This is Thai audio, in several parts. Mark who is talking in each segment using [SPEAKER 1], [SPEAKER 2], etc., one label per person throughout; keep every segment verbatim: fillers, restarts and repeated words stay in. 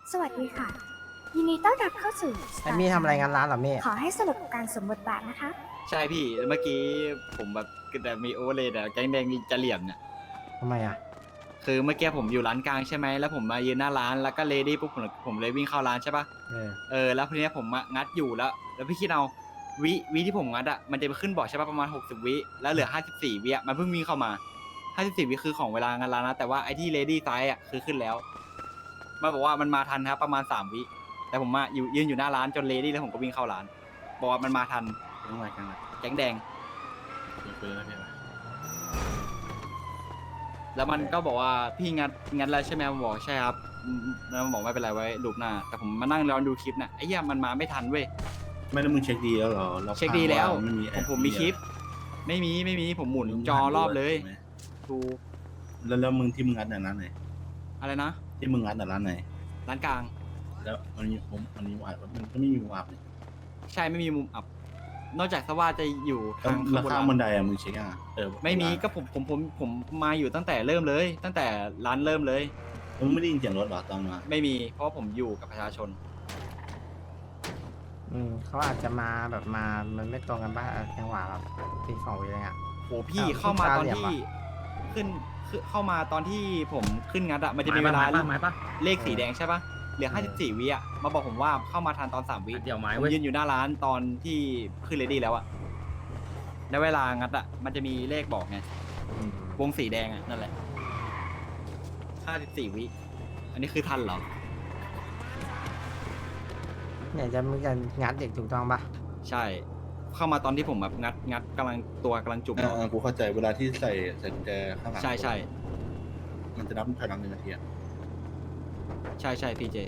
[SPEAKER 1] สวัสดีค่ะ ยินดีต้อนรับเข้าสู่
[SPEAKER 2] ไอ้มี่ทำอะไรงานร้านเหรอมี่
[SPEAKER 1] ขอให้สนุกกับการสวมบทบาทนะคะ
[SPEAKER 3] ใช่พี่เมื่อกี้ผมแบบแต่มีโอเวอร์เลยแต่แก๊งแดงจะเหลี่ยมเนี่ย
[SPEAKER 2] ทำไมอ่ะ
[SPEAKER 3] คือเมื่อกี้ผมอยู่ร้านกลางใช่ไหมแล้วผมมายืนหน้าร้านแล้วก็เลดี้ปุ๊บผมผมเลยวิ่งเข้าร้านใช่ปะ
[SPEAKER 2] เออ
[SPEAKER 3] เออแล้วทีเนี้ยผมอะงัดอยู่แล้ว แล้วพี่คิดเอาวิวิที่ผมงัดอะมันจะไปขึ้นบอกใช่ปะประมาณหกสิบวิแล้วเหลือห้าสิบสี่วิอะมันเพิ่งวิ่งเข้ามาห้าสิบสี่วิคือของเวลางานร้านนะแต่ว่าไอ้ที่เลดี้ซ้ายอะคือขึ้นแล้วมันบอกว่ามันมาทันครับประมาณสามวิแต่ผมมาอยู่ยืนอยู่หน้าร้านจนเลดี้แล้วผมก็วิ่งเข้าร้านบอกว่ามันมาทัน
[SPEAKER 4] ยังไงกันล่ะ
[SPEAKER 3] แก๊งแดง
[SPEAKER 4] คุยแล้วพี่
[SPEAKER 3] แล้วมันก็บอกว่าพี่งัดงัดแล้วใช่ไหมผมบอกใช่ครับอืมแล้วมันบอกไม่เป็นไรไว้ลูปหน้าแต่ผมมานั่งรอดูคลิปน่ะไอ้เหี้ยมันมาไม่ทันเว้ย
[SPEAKER 4] ไม่ได้มึงเช็คดีแล้วเหรอรา
[SPEAKER 3] เช็คดีแล้ว
[SPEAKER 4] าไม่มี
[SPEAKER 3] ผมผมมีคลิป ไม่มีไม่มีผมหมุนจอรอบเลยดู
[SPEAKER 4] แล้วแล้วมึงที่มึงงัดเนี่ยร้านไหน
[SPEAKER 3] อะไรนะ
[SPEAKER 4] ที่มึงงัดเนี่ยร้านไหน
[SPEAKER 3] ร้านกลาง
[SPEAKER 4] แล้วมันมีผมมันมีวาดมันก็ไม่มีวาดเนี่ย
[SPEAKER 3] ใช่ไม่มีมุมอับ นอกจากสว่าจะอยู่
[SPEAKER 4] แล้ว
[SPEAKER 3] ทาง
[SPEAKER 4] แล้ว
[SPEAKER 3] ข้า
[SPEAKER 4] ข้าง
[SPEAKER 3] ง
[SPEAKER 4] บบ น
[SPEAKER 3] น
[SPEAKER 4] ไดอะมึงเช็คอ่ะเออ
[SPEAKER 3] ไม่มีก็ผมผมผมผมมาอยู่ตั้งแต่เริ่มเลย ตั้งแต่ร้านเริ่มเลย
[SPEAKER 4] มึงไม่ได้ยินเสียงรถเหรอตอนมา
[SPEAKER 3] ไม่มีเพราะว่าผมอยู่กับประชาชน
[SPEAKER 2] อืมเขาอาจจะมาแบบมา มันไม่ตรงกันบ้างจังหวะแบบตีสองวิอะไรเงี้ย
[SPEAKER 3] โหพี่
[SPEAKER 2] อ้าว
[SPEAKER 3] เข้ามาตอน
[SPEAKER 2] ลูกค้าเหลี่ยม
[SPEAKER 3] ที่
[SPEAKER 2] อะ
[SPEAKER 3] ขึ้นขึ้นเข้ามาตอนที่ผมขึ้นงัดอะมันจะมีเวลา
[SPEAKER 5] ไม้ปะไม้ปะ
[SPEAKER 3] เลขสีแดงใช่ปะเหลือห้าสิบสี่วิอะมาบอกผมว่าเข้ามาทันตอนสามวิ
[SPEAKER 5] เดี๋ยวไม้
[SPEAKER 3] ผม
[SPEAKER 5] เว้ย
[SPEAKER 3] ยืนอยู่หน้าร้านตอนที่ขึ้นเลดี้แล้วอะแล้วเวลางัดอะมันจะมีเลขบอกไง
[SPEAKER 2] อืม
[SPEAKER 3] วงสีแดงอะนั่นแหละห้าสิบสี่วิอันนี้คือทันเหรอ
[SPEAKER 2] เนี่ยจะมึงจะงัดเด็กถูกต้องปะ
[SPEAKER 3] ใช่ เข้ามาตอนที่ผมแบบงัดงัดกำลังตัวกำลังจุ่ม
[SPEAKER 4] เออเออกูเข้าใจเวลาที่ใส่ใส่กุญแจข้างหลัง
[SPEAKER 3] ใช่ใช่
[SPEAKER 4] มันจะนับถอยหลังหนึ่งนาทีอะ
[SPEAKER 3] ใช่ใช่พีเจ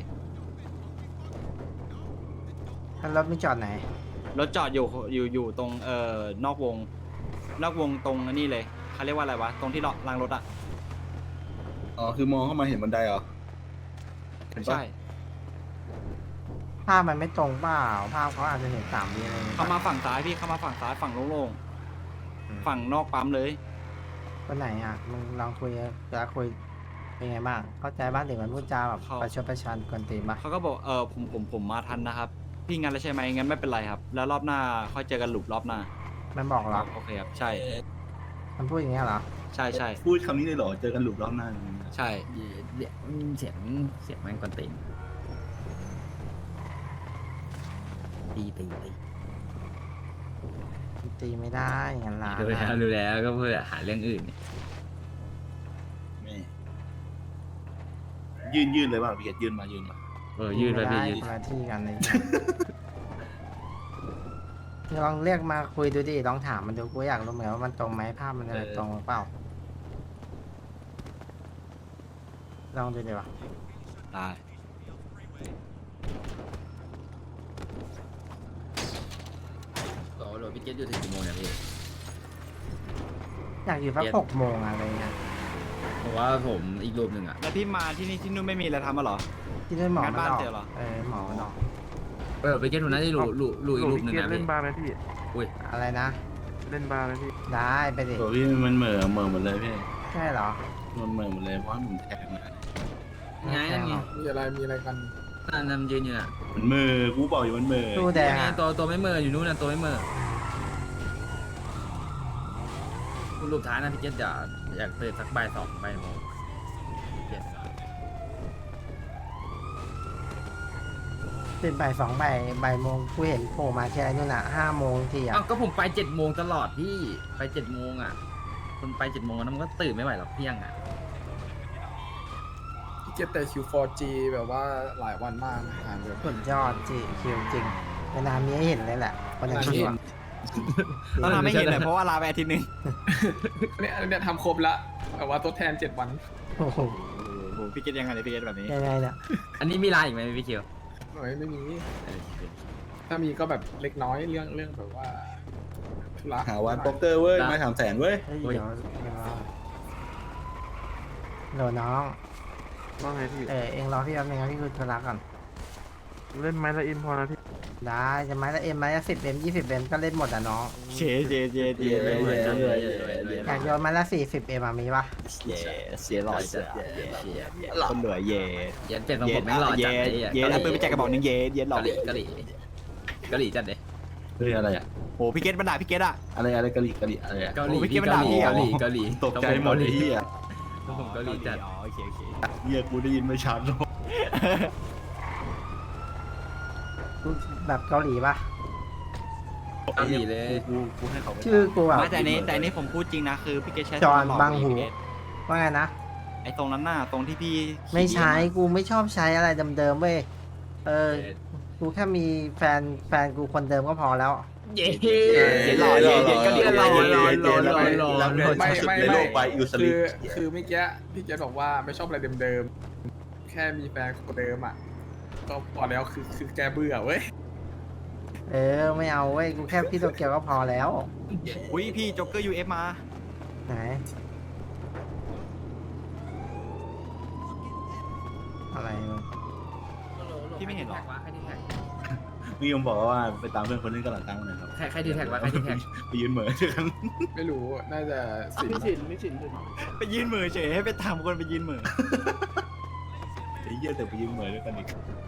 [SPEAKER 2] แล้วรถไม่จอดไหน
[SPEAKER 3] รถจอดอยู่อยู่อยู่ตรงเอ่อนอกวง นอกวงตรงอันนี้เลยเขาเรียกว่าอะไรวะตรงที่รางรถอะ
[SPEAKER 4] อ๋อคือมองเข้ามาเห็นบันไดเหรอเห็นปะ
[SPEAKER 3] ใช่
[SPEAKER 2] ภาพมันไม่ตรงเปล่าภาพเขาอาจจะเห็นสามวิอะไรอย่างเงี้ย
[SPEAKER 3] เข้ามาฝั่งซ้ายพี่เข้ามาฝั่งซ้ายฝั่งโล่งๆฝั่งนอกปั๊มเลย
[SPEAKER 2] คนไหนอ่ะมึงลองคุยจะคุยเป็นไงบ้างเข้าใจบ้างเด็กมันพูดจาแบบ
[SPEAKER 3] เขา
[SPEAKER 2] ประชดประชันกวนตีนปะ
[SPEAKER 3] เขาก็บอกเออผมผมผมมาทันนะครับ พี่งั้นแล้วใช่ไหมงั้นไม่เป็นไรครับ แล้วรอบหน้าค่อยเจอกันหลุปรอบหน้า
[SPEAKER 2] มันบอกเหรอ
[SPEAKER 3] โอเคครับใช่
[SPEAKER 2] มันพูดอย่างเงี้ยเหรอ
[SPEAKER 3] ใช่ใช่
[SPEAKER 4] พูดคำนี้เลยเหรอเจอกันหลุมรอบหน้า
[SPEAKER 3] ใช่
[SPEAKER 5] เดี๋ยวเสียงเสียงมันกวนตีนตีตีตี
[SPEAKER 2] ตีไม่ได้งานร้าน
[SPEAKER 5] ดูแล้ว
[SPEAKER 2] อะ
[SPEAKER 5] ดูแล้วก็เพื่อหาเรื่องอื่นเนี่ย
[SPEAKER 4] แม่ยืนยืนเลยว่าพี่เกดยืนมายืนมา
[SPEAKER 5] เออยืดไปพี่
[SPEAKER 2] ม่
[SPEAKER 5] ยื
[SPEAKER 2] ด้
[SPEAKER 5] ด
[SPEAKER 2] คนละที่กันเลย ลองเรียกมาคุยดูดิลองถามมันดูกูอยากรู้เหมือนกันว่ามันตรงไหมภาพมันอะไรตรงหรือเปล่าลองดูดิวะ
[SPEAKER 3] ได้
[SPEAKER 5] โอ้โหพี่เกตอยู่ถึงกี่โมงเนี่ยพี่
[SPEAKER 2] อยากอยู่สัก
[SPEAKER 5] เย็น
[SPEAKER 2] หกโมงอะไรเงี้ย
[SPEAKER 5] เพราะว่าผมอีกรูปหนึ่งอ่ะ
[SPEAKER 3] แล้วพี่มาที่นี่ที่นู่นไม่มีอะไรทำมาหรอ
[SPEAKER 2] ที่ด้วยหมอ
[SPEAKER 3] งั้น
[SPEAKER 2] มัน
[SPEAKER 3] บ้าน
[SPEAKER 2] ออก
[SPEAKER 3] เจอเหรอ
[SPEAKER 2] เออหมอมันออก
[SPEAKER 5] เออพี่เกตผมน่าจะรูรูรูอีกรูปหนึ่งนะ
[SPEAKER 6] เล่
[SPEAKER 5] พี่
[SPEAKER 6] นบาร์ไหมพี่
[SPEAKER 5] อุ้ย
[SPEAKER 2] อะไรนะ
[SPEAKER 6] เล่นบาร์ไหมพี่
[SPEAKER 2] ได้ไปดิ
[SPEAKER 4] ตัวพี่มันเหม่อเหม่อหมดเลยพี่
[SPEAKER 2] ใช่เหรอ
[SPEAKER 4] มันเหม่อหมดเลยเพราะมันแทงมา
[SPEAKER 5] ไงนั่นไง
[SPEAKER 6] มีอะไร มีอะไรกัน
[SPEAKER 5] นั่นนั่นยืนอยู่น่ะ
[SPEAKER 4] มันเหม่อกูบอกอยู่มันเหม่อ
[SPEAKER 2] ตู้แดง
[SPEAKER 5] ไง
[SPEAKER 2] อ่ะ
[SPEAKER 5] ตัวตัวไม่เมออยู่นู้นน่ะตัวไม่เมอคุณรูปท้ายนะพี่เกตอยากอยากเปิดสักใบสองใบโมงพี่เกต
[SPEAKER 2] เป็นบ่ายสองบ่ายบ่ายโมงกูเห็นโผล่มาแค่นู่นอ่ะห้าโมงทีอ่ะ
[SPEAKER 5] อ้าวก็ผมไปเจ็ดโมงตลอดพี่ไปเจ็ดโมงอ่ะคนไปเจ็ดโมงแล้วมันก็ตื่นไม่ไหวหรอกเที่ยงอ่ะ
[SPEAKER 6] พี่เก็ตแต่คิว โฟร์ จี แบบว่าหลายวันมากนะอ่านแบบ
[SPEAKER 2] สุดยอดจีคิวจริงนานๆมีให้เห็นเลยแหละคนอย่างที่อ่ะ
[SPEAKER 3] ต้องทำให้เห็นเลยเพราะว่าลาไปอาทิตย์หนึง
[SPEAKER 6] เนี่ยเนี่ยทำครบละแบบว่าทดแทนเจ็ดวัน
[SPEAKER 2] โอ้โห
[SPEAKER 3] โอ้โหพี่เกตยังไงเนี่ยพี่เกตแบบนี้
[SPEAKER 2] ยังไงเนี่ย
[SPEAKER 5] อันนี้มีไลน์อีกไหมพี่เคียว
[SPEAKER 6] ไม่ไม่มี
[SPEAKER 5] เออ
[SPEAKER 6] ถ้ามีก็แบบเล็กน้อยเรื่องเรื่องแบบว่าธุระ
[SPEAKER 4] หาวันโป๊กเกอร์เว้ยไม่ถามแสนเว้ย
[SPEAKER 2] เฮ้ยเดี๋ยวเดี๋ยวโหลน้อง
[SPEAKER 6] ว่าไงพี่
[SPEAKER 2] เออเองรอพี่แป๊บนึงนะพี่คุยธุระก่อน
[SPEAKER 6] เล่นไม้ละอินพอนะพี่
[SPEAKER 2] ได้จะไม้ละเอ็มไม้ละสิบเอ็มยี่สิบเอ็มก็เล่นหมดอ่ะน้อง
[SPEAKER 3] เชเจเจเจ
[SPEAKER 5] เย้
[SPEAKER 3] เจ
[SPEAKER 5] เย้
[SPEAKER 3] เจ
[SPEAKER 5] เย้
[SPEAKER 3] เจ
[SPEAKER 5] เย้
[SPEAKER 2] อยากโยนไม้ละสี่สิบเอ็มมีปะ
[SPEAKER 3] เย่เสียหล่อเสียคนเหลือเย่
[SPEAKER 5] เย็นเปลี่ยนของผมไม่หล่อจั
[SPEAKER 3] เย่
[SPEAKER 5] ดเลย
[SPEAKER 3] เย่แล้วปืนไปแจกกระบอกหนึงเย่เย่หล่อก
[SPEAKER 5] ะหรี่กะหรี่กะหรี่จัดเลย
[SPEAKER 4] เฮ้ยอะไรอ่ะ
[SPEAKER 3] โอ้พี่เกตมันด่าพี่เกตอ่ะ
[SPEAKER 4] อะไรอะไรกะหรี่กะหรี่อะไรอ่ะ
[SPEAKER 5] เกาหลี
[SPEAKER 3] โอ้ยเมื่อกี้มันด่าพี่
[SPEAKER 5] เกา
[SPEAKER 3] เหรอ
[SPEAKER 5] หลีเกาหลี
[SPEAKER 4] ตกใจหมดไอ้เหี้ย
[SPEAKER 5] ต้องผมเกาหลีจัด
[SPEAKER 3] อ๋อโอเคโอเค
[SPEAKER 4] เหี้ยกูได้ยินไม่ชัดหรอก
[SPEAKER 2] แบบเกาหลีปะ
[SPEAKER 5] เกาหลีเลย
[SPEAKER 4] กูกูให้เขาไป
[SPEAKER 2] ชื่อกูแบบ
[SPEAKER 3] ไม่แต่อันนี้แต่อันนี้ผมพูดจริงนะคือพี่เกตใช้
[SPEAKER 2] จอห์น
[SPEAKER 3] ตลด
[SPEAKER 2] บังหู
[SPEAKER 3] พี่เกต
[SPEAKER 2] ว่าไงนะ
[SPEAKER 3] ไอ้ตรงนั้นน่ะตรงที่พี่ขี่
[SPEAKER 2] ไม่ใช้
[SPEAKER 3] า
[SPEAKER 2] กูไม่ชอบใช้อะไรเดิมๆเว้ยเออกูแค่มีแฟนแฟนกูคนเดิมก็พอแล้ว
[SPEAKER 5] เย้
[SPEAKER 3] เย็นหล่อเย็นเย็นก็ดี
[SPEAKER 5] หล่อหล่อหล่อหล่อ
[SPEAKER 4] แล้วไม่
[SPEAKER 6] ไม่ไม่
[SPEAKER 4] ใน
[SPEAKER 6] ไม่
[SPEAKER 4] โลกใบอิวสลิ
[SPEAKER 6] คือ
[SPEAKER 4] ป
[SPEAKER 6] คือเมื่อกี้พี่เจษบอกว่าไม่ชอบอะไรเดิมๆแค่มีแฟนคนเดิมอ่ะก็พอแล้วคือคือแกเบื่อเว้ย
[SPEAKER 2] เออไม่เอาเว้ยกูแค่พี่โตเกียวก็พอแล้ว
[SPEAKER 3] อุ้ยพี่จ็อกเกอร์ยูเอฟมา
[SPEAKER 2] ไหนอะไรมึง
[SPEAKER 3] พี่ไม่เห็นหรอ
[SPEAKER 5] ใครดีแท็ก
[SPEAKER 4] พี่ยมบอกว่าไปตามเพื่อนคนนึงกันหลังตั้งหน่อยครับ
[SPEAKER 5] ใครใครดีแท็กวะใครดีแท็ก
[SPEAKER 4] ไปยืนเหมือนด้วยกัน
[SPEAKER 6] ไม่รู้น่าจะสิบ
[SPEAKER 3] ไปยืนมือเฉยให้ไปตามคนไปยืนมือ
[SPEAKER 4] ไอ้เหี้ยแต่ไปยืนเหมือนด้วยกันอีก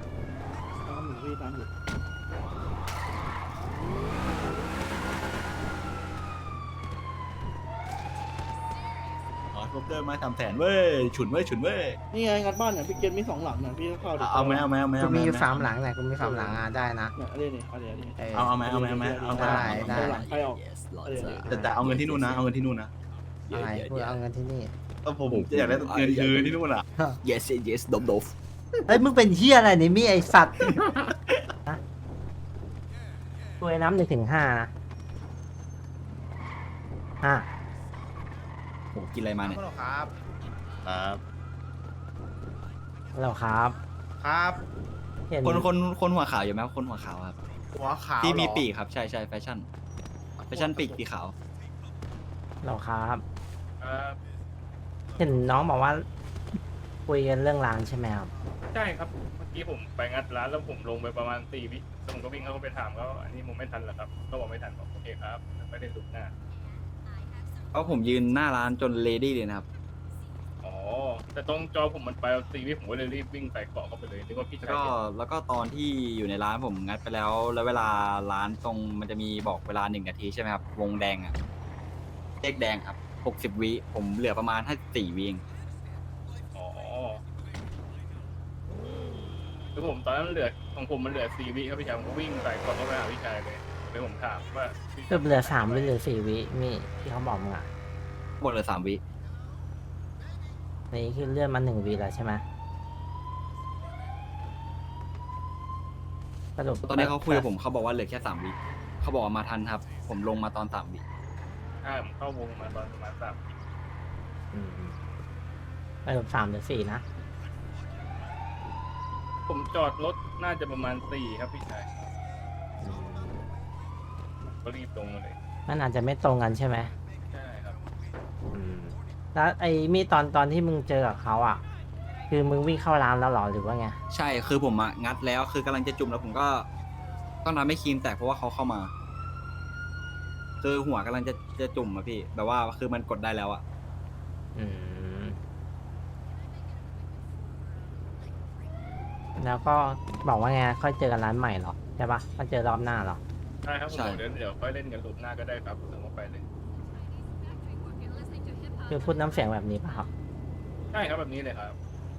[SPEAKER 4] อ๋อคอปเตอร์มาทำแสนเว้ยฉุนเว้ยฉุนเว้ย
[SPEAKER 7] นี่ไงงัดบ้านเนี่ยพี่เกณมีสองหลังเนี่ยพี่ก็เข้าดิ
[SPEAKER 4] เอาไหมเอาไหมเอาไหม
[SPEAKER 2] กู
[SPEAKER 4] เอาไหม
[SPEAKER 2] มีอยู่สามหลังไหนกูมีสามหลังอ่ะได้นะ
[SPEAKER 7] เนี่ยเอาดี๋ยวนี่เอาเดี๋ยวนี่
[SPEAKER 2] เออ
[SPEAKER 4] เอาเอาไหมเอาไหมเอาไหมเอาไหม
[SPEAKER 2] ได้ได้
[SPEAKER 7] เอาหลังใครออกเอาเดี๋ยวนี่
[SPEAKER 4] แต่แต่เอาเงินที่นู่นนะเอาเงินที่นู่นนะ
[SPEAKER 2] อะไรกูเอาเงินที่นี่
[SPEAKER 4] ก็ผมอยากได้เงินคืนที่นู่นอ่ะ
[SPEAKER 3] yes yes ดมดม
[SPEAKER 2] เฮ้ยมึงเป็นเฮียอะไรเนี่ยมีไอสัตว์ฮะตัวไอ้น้ำหนึ่งถึงห้านะห้า
[SPEAKER 3] โหกินอะไรมาเนี่ย
[SPEAKER 4] ครับ ครับ
[SPEAKER 2] แล้วครับ
[SPEAKER 8] ครับ
[SPEAKER 2] เห็น
[SPEAKER 3] คนคนคนหัวขาวอยู่ไหมคนหัวขาวครับ
[SPEAKER 8] หัวขาว
[SPEAKER 3] ที่มี
[SPEAKER 8] เหรอ
[SPEAKER 3] ปีกครับใช่ใช่แฟชั่นแฟชั่นปีกสีขาว
[SPEAKER 2] แล้วครับ เห็นน้องบอกว่า คุยกันเรื่องร้านใช่ไหมครับ
[SPEAKER 9] ใช่ครับ เมื่อกี้ผมไปงัดร้านแล้วผมลงไปประมาณสี่วิแล้วผมก็วิ่งเข้าไปถามเขาอันนี้ผมไม่ทันเหรอครับเขาบอกไม่ทันบอกโอเคครับไม่ได้ลุกหน้า
[SPEAKER 3] เพราะผมยืนหน้าร้านจนเลดี้เลยนะครับ
[SPEAKER 9] อ๋อ แต่ตรงจอผมมันไปสี่วิผมก็เลยรีบวิ่งใส่เกาะเข้าไปเลยนึกว่าพี่
[SPEAKER 3] แล้ว
[SPEAKER 9] ชาย
[SPEAKER 3] ก็
[SPEAKER 9] เห็น
[SPEAKER 3] แล้วก็ตอนที่อยู่ในร้านผมงัดไปแล้ว แล้วเวลาร้านตรงมันจะมีบอกเวลาหนึ่งนาทีใช่ไหมครับวงแดงอะเลขแดงครับหกสิบวิผมเหลือประมาณห้าสี่วิเอง
[SPEAKER 9] อ๋อคือผมตอนนั้นเหลือของผมมันเหลือสี่วิครับพี่ชายผมก็วิ่งใส่เกาะเข้าไปหาพี่ชายเลยเลยผมถามว่าพี่
[SPEAKER 2] คือเหลือสามหรือเหลือสี่วิมีที่เขาบอกมึงอ่ะ
[SPEAKER 3] หมดเหลือสามวิ
[SPEAKER 2] นี่คือเลื่อนมาหนึ่งวิแล้วใช่ไหมสรุป
[SPEAKER 3] ตอนนี้เขาคุยกับผมเขาบอกว่าเหลือแค่สามวิเขาบอกว่ามาทันครับ ผมลงมาตอนสามวิ
[SPEAKER 9] ถ้าผมเข้าวงมาตอนประมาณสาม
[SPEAKER 2] อืมสรุปสามหรือสี่นะ
[SPEAKER 9] ผมจอดรถน่าจะประมาณสี่ครับพี่ชาย
[SPEAKER 2] อืม
[SPEAKER 9] ก็รีบลงมาเลย
[SPEAKER 2] มันอาจจะไม่ตรงกันใช่ไหม
[SPEAKER 9] ใช่ครับ
[SPEAKER 2] อืมแล้วไอ้มีตอนตอนที่มึงเจอกับเขาอ่ะ คือมึงวิ่งเข้าร้านแล้วเหรอหรือว่าไง
[SPEAKER 3] ใช่คือผมอะงัดแล้วคือกำลังจะจุ่มแล้วผมก็ต้องทำให้ครีมแตกเพราะว่าเขาเข้ามา คือหัวกำลังจะจะจุ่มอะพี่แบบว่าคือมันกดได้แล้วอะ
[SPEAKER 2] อืมแล้วก็บอกว่าไงค่อยเจอกันร้านใหม่เหรอใช่ปะมาเจอรอบหน้าเหรอ
[SPEAKER 9] ใช่ครับผมบอกเดี๋ยวเดี๋ยวค่อยเล่นกันรูปหน้าก็ได้ครับถึงว่าไปเลย
[SPEAKER 2] คือพูดน้ำเสียงแบบนี้ปะครับ
[SPEAKER 9] ใช่ครับแบบนี้เลยครับ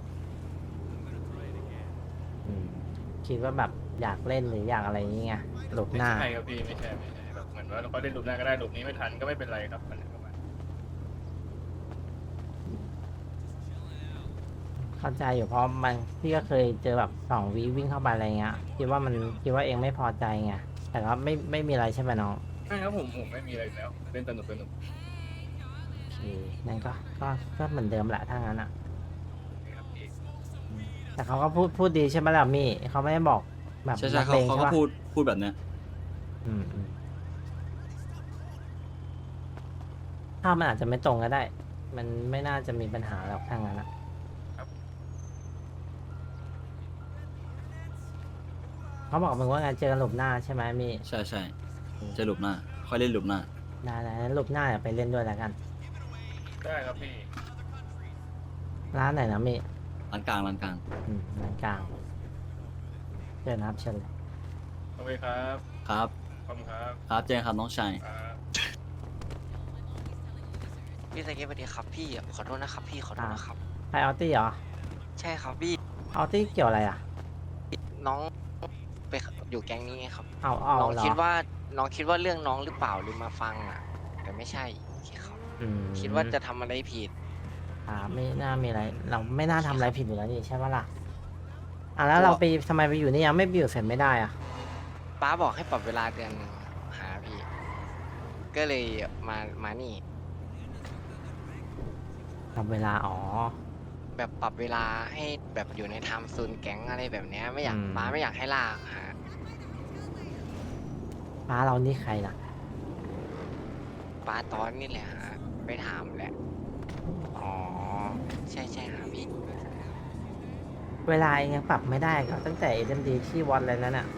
[SPEAKER 2] อืมคิดว่าแบบอยากเล่นหรืออยากอะไรอย่างเงี้ยหลบ
[SPEAKER 9] ไม่
[SPEAKER 2] หน้า
[SPEAKER 9] ใช่ครับพี่ไม่ใช่ไม่ใช่แบบเหมือนว่าเราก็เล่นรูปหน้าก็ได้รูปนี้ไม่ทันก็ไม่เป็นไรครับมันประมาณ
[SPEAKER 2] เข้าใจอยู่เพราะมันพี่ก็เคยเจอแบบสองวิวิ่งเข้าไปอะไรเงี้ยคิดว่ามันคิดว่าเองไม่พอใจไงแต่ก็ไม่ไม่มีอะไรใช่ไหมน้อง
[SPEAKER 9] ใช่ครับผมผมไม่มีอะไรแล้วเล่นสนุกสนุก
[SPEAKER 2] โอเคนั่นก็ก็ก็เหมือนเดิมแหละถ้างั้นอ่ะ
[SPEAKER 9] ครับพี่
[SPEAKER 2] แต่เขาก็พูดพูดดีใช่ไหมล่ะมี่เขาไม่ได้บอกแบบ
[SPEAKER 3] ใช่ใช่เขา
[SPEAKER 2] นักลง
[SPEAKER 3] เขา
[SPEAKER 2] ใช่
[SPEAKER 3] ก็
[SPEAKER 2] ปะ
[SPEAKER 3] พูดพูดแบบเนี้ย
[SPEAKER 2] อืมอืมถ้าพมันอาจจะไม่ตรงก็ได้ มันไม่น่าจะมีปัญหาหรอกถ้างั้นอะเขาบอกมึงว่าไงเจอกันหลุมหน้าใช่ไหมมี
[SPEAKER 8] ใช่ใช่จะหลุมหน้า ค่อยเล่นหลุมหน้า
[SPEAKER 2] ได้ได้งั้นหลุมหน้าเดี๋ยวไปเล่นด้วยแล้วกัน
[SPEAKER 9] ได้ครับพี่
[SPEAKER 2] ร้านไหนนะมี
[SPEAKER 8] ร้านกลางร้านกลาง
[SPEAKER 2] อืมร้านกลางเชิญนะครับเชิญเลย
[SPEAKER 9] โอเคครับ
[SPEAKER 8] ครับ
[SPEAKER 9] ขอบคุณครับ
[SPEAKER 8] ครับเจนครับน้องชาย
[SPEAKER 9] ครับ
[SPEAKER 10] พี่สเก็ตสวัสดีครับพี่ขอโทษนะครับพี่ขอโทษนะครับ
[SPEAKER 2] ใครออตตี้เหรอ
[SPEAKER 10] ใช่ครับพี่
[SPEAKER 2] ออตตี้เกี่ยวอะไรอ่ะ
[SPEAKER 10] น้องไปอยู่แก๊งนี้ไงครับ
[SPEAKER 2] เอาเอา
[SPEAKER 10] น้อง
[SPEAKER 2] เหรอ
[SPEAKER 10] คิดว่าน้องคิดว่าเรื่องน้องหรือเปล่าหรือมาฟังอ่ะ แต่ไม่ใช่โอเคครับ
[SPEAKER 2] อืม
[SPEAKER 10] คิดว่าจะทำอะไรผิด
[SPEAKER 2] อ่าไม่น่ามีอะไร เราไม่น่าทำอะไรผิดอยู่แล้วนี่ใช่ปะล่ะอ่ะแล้วเราไปทำไมไปอยู่นี่ยังไม่ไปอยู่เสร็จไม่ได้อ่ะ
[SPEAKER 10] ป้าบอกให้ปรับเวลาเดือนหนึ่งหาพี่ ก็เลยมามานี่
[SPEAKER 2] ทำเวลาอ๋อ
[SPEAKER 10] แบบปรับเวลาให้แบบอยู่ในไทม์โซนแก๊งอะไรแบบเนี้ยไม่อยาก
[SPEAKER 2] อืม
[SPEAKER 10] ป้าไม่อยากให้ลากฮะ
[SPEAKER 2] ป้าเรานี่ใครล่ะ
[SPEAKER 10] ป้าตอนนี่แหละฮะไปถามแหละ
[SPEAKER 2] อ๋อ
[SPEAKER 10] ใช่ใช่ฮะพี่
[SPEAKER 2] เวลาเองยังปรับไม่ได้ก็ตั้งแต่เอ็มดีที่วัดอะไรนั้นอ่ะ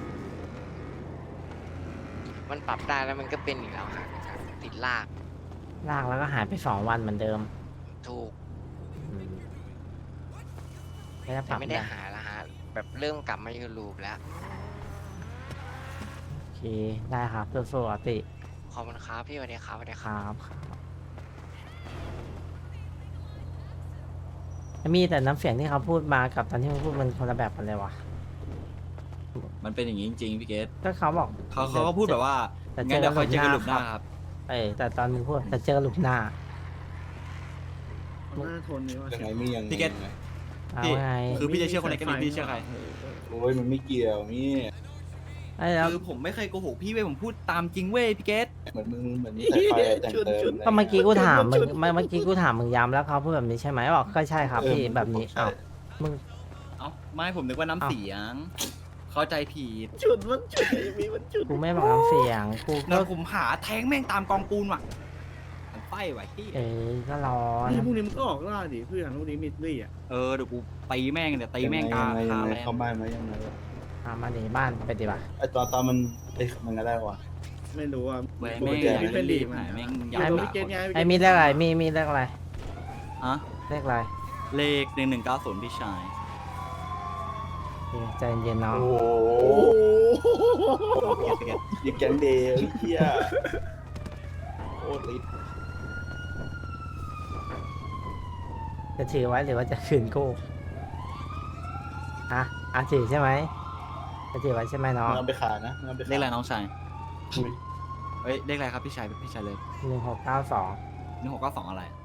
[SPEAKER 10] มันปรับได้แล้วมันก็เป็นอีกแล้วฮะติดลาก
[SPEAKER 2] ลากแล้วก็หายไปสองวันเหมือนเดิม
[SPEAKER 10] ถูก
[SPEAKER 2] อืมไม่ได้ป
[SPEAKER 10] แต่
[SPEAKER 2] รับ
[SPEAKER 10] ไม่ได้
[SPEAKER 2] ได้
[SPEAKER 10] หาแล้วฮะ แบบเริ่มกลับมาอยู่ลูปแล้ว
[SPEAKER 2] โอเค ได้ครับสู้ๆออตติ
[SPEAKER 10] ขอบคุณครับพี่สวัสดีครับสวัสดี
[SPEAKER 2] ค
[SPEAKER 10] ครับ
[SPEAKER 2] รับครับมีแต่น้ำเสียงที่เขาพูดมากับตอนที่มึงพูดมันคนละแบบกันเลยวะ
[SPEAKER 8] มันเป็นอย่างนี้จริงๆพี่เกต
[SPEAKER 2] ก็เขาบอก
[SPEAKER 3] เขาเขาก็พูดแบบว่า
[SPEAKER 2] แต่
[SPEAKER 3] งั้นเดี๋ยวค่อยเจอกันหลุมหน้า
[SPEAKER 2] ค
[SPEAKER 3] ค
[SPEAKER 2] รั
[SPEAKER 3] รับ บ
[SPEAKER 2] เออแต่ตอนมึงพูดจะเจอหลุมหน้า
[SPEAKER 7] มันน่าทนนี่ว่า
[SPEAKER 4] ยังไงมียังไง
[SPEAKER 3] พี่เกต
[SPEAKER 4] ยังไง
[SPEAKER 2] เอา
[SPEAKER 3] พี่
[SPEAKER 2] ไง
[SPEAKER 3] คือพี่จะเชื่อคนไหนกันดีพี่เชื่อใคร
[SPEAKER 4] โอ้ยมันไม่เกี่ยวนี่
[SPEAKER 2] ไอ้แล้ว
[SPEAKER 3] คือผมไม่เคยโกหกพี่เว้ยผมพูดตามจริงเว้ยพี่เกต
[SPEAKER 4] เหมือนมึงเหมือนแต่ไฟแต่งเติม
[SPEAKER 2] ก็เมื่อกี้กูถามมึงเมื่อเมื่อกี้กูถามมึงย้ำแล้วเขาพูดแบบนี้ใช่ไหมบอกก็ใช่ครับพี่แบบนี้อ้าวมึง
[SPEAKER 3] เอ้าไม่ผมนึกว่าน้ำเสียง เข้าใจผิด
[SPEAKER 7] จุดมันจุดมีมันจุด
[SPEAKER 2] กูไม่บอกน้ำเสียงกู
[SPEAKER 3] แล้
[SPEAKER 2] ก็
[SPEAKER 3] วผมหาแทงแม่งตามกองปูนว่ะมันไฟไหวพี่
[SPEAKER 2] เออก็ร้อน
[SPEAKER 7] นี่พวกนี้มันก็ออกล่าดิเพื่อนพวกนี้มิดลี่อ่ะ
[SPEAKER 3] เออเดี๋ยวกูตีแม่งเดี๋ยวตีแม่งกา
[SPEAKER 4] ยังไง
[SPEAKER 3] คา
[SPEAKER 4] ยังไง
[SPEAKER 3] แรง
[SPEAKER 4] เข้าบ้านไหมยังไง
[SPEAKER 2] อ่ะมาดีบ้านไปดีป่ะ
[SPEAKER 4] ไอตอนตอนมันไอมันก็ได้วะ
[SPEAKER 7] ไม่รู้ว่า
[SPEAKER 3] แม่ง
[SPEAKER 4] ปก
[SPEAKER 3] แม่ง
[SPEAKER 4] ติ
[SPEAKER 3] อยาก
[SPEAKER 7] ไม่
[SPEAKER 3] ให้
[SPEAKER 7] ดี
[SPEAKER 3] รีบ
[SPEAKER 7] มา
[SPEAKER 3] หายแม่งอ
[SPEAKER 7] อยาก
[SPEAKER 3] ยาก
[SPEAKER 7] รู้
[SPEAKER 3] ด่า
[SPEAKER 7] พี่เกตไง
[SPEAKER 2] ไอ้มีเลขอะไรมีมีเลขอะไร
[SPEAKER 3] ฮะ
[SPEAKER 2] เลขอะไร
[SPEAKER 3] เลขหนึ่งหนึ่งเก้าศูนย์พี่ชาย
[SPEAKER 2] โอเคใจเย็นๆน้อง
[SPEAKER 4] โอ้โหยิงแกงเดย์เฮียโอ้ลิฟ
[SPEAKER 2] จะถือไว้หรือว่าจะคืนกูฮะอ่ะถือใช่ไหมจะถือไว้ใช่ไหมน้อง
[SPEAKER 4] มันเอาไปขายนะมันเอาไป
[SPEAKER 3] เล
[SPEAKER 4] ขาย
[SPEAKER 3] ขอะไรน้องชาย
[SPEAKER 4] อุ้ย
[SPEAKER 3] เฮ้ยเลขอะไรครับพี่ชายพี่ชายเลย
[SPEAKER 2] หนึ่งหกเก้าสอง
[SPEAKER 3] หนึ่งหกเก้าสองอะไร